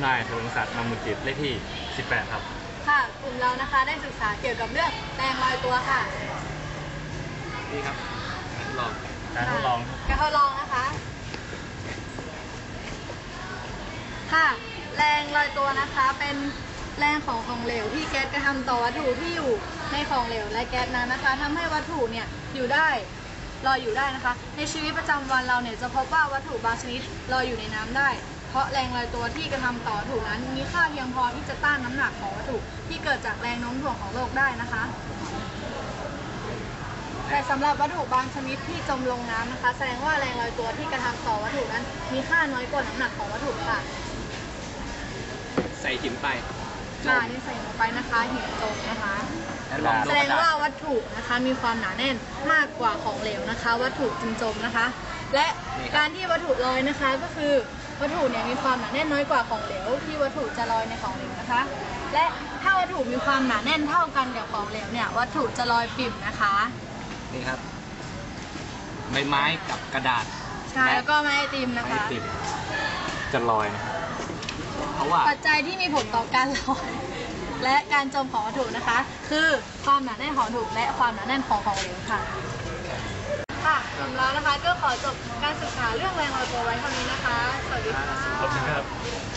นายเฉลิมศักดิ์นำมุจิตเลขที่18ครับค่ะกลุ่มเรานะคะได้ศึกษาเกี่ยวกับเรื่องแรงลอยตัวค่ะนี่ครับการทดลองนะคะค่ะแรงลอยตัวนะคะเป็นแรงของเหลวที่แก๊สกระทำต่อวัตถุที่อยู่ในของเหลวและแก๊สนั้นนะคะทำให้วัตถุเนี่ยลอยอยู่ได้นะคะในชีวิตประจำวันเราเนี่ยจะพบว่าวัตถุบางชนิดลอยอยู่ในน้ำได้เพราะแรงลอยตัวที่กระทำต่อวัตถุนั้นมีค่าเพียงพอที่จะต้านน้ำหนักของวัตถุที่เกิดจากแรงโน้มถ่วงของโลกได้นะคะแต่สำหรับวัตถุบางชนิดที่จมลงน้ำนะคะแสดงว่าแรงลอยตัวที่กระทำต่อวัตถุนั้นมีค่าน้อยกว่าน้ำหนักของวัตถุค่ะใส่หินไปนี่ใส่ลงไปนะคะหินจมนะคะแสดงว่าวัตถุนะคะมีความหนาแน่นมากกว่าของเหลวนะคะวัตถุจึงจมนะคะและการที่วัตถุลอยนะคะก็คือวัตถุเนี่ยมีความหนาแน่นน้อยกว่าของเหลวที่วัตถุจะลอยในของเหลวนะคะและถ้าวัตถุมีความหนาแน่นเท่ากันกับของเหลวเนี่ยวัตถุจะลอยปิ่มนะคะนี่ครับใบไม้กับกระดาษใช่แล้วก็ไม้ไอติมนะคะไม้ไอติมจะลอยเพราะว่าปัจจัยที่มีผลต่อการลอยและการจมของวัตถุนะคะคือความหนาแน่นของวัตถุและความหนาแน่นของเหลวค่ะกลุ่มเรานะคะก็ขอจบการศึกษาเรื่องแรงลอยตัวไว้เท่านี้นะคะสวัสดีค่ะ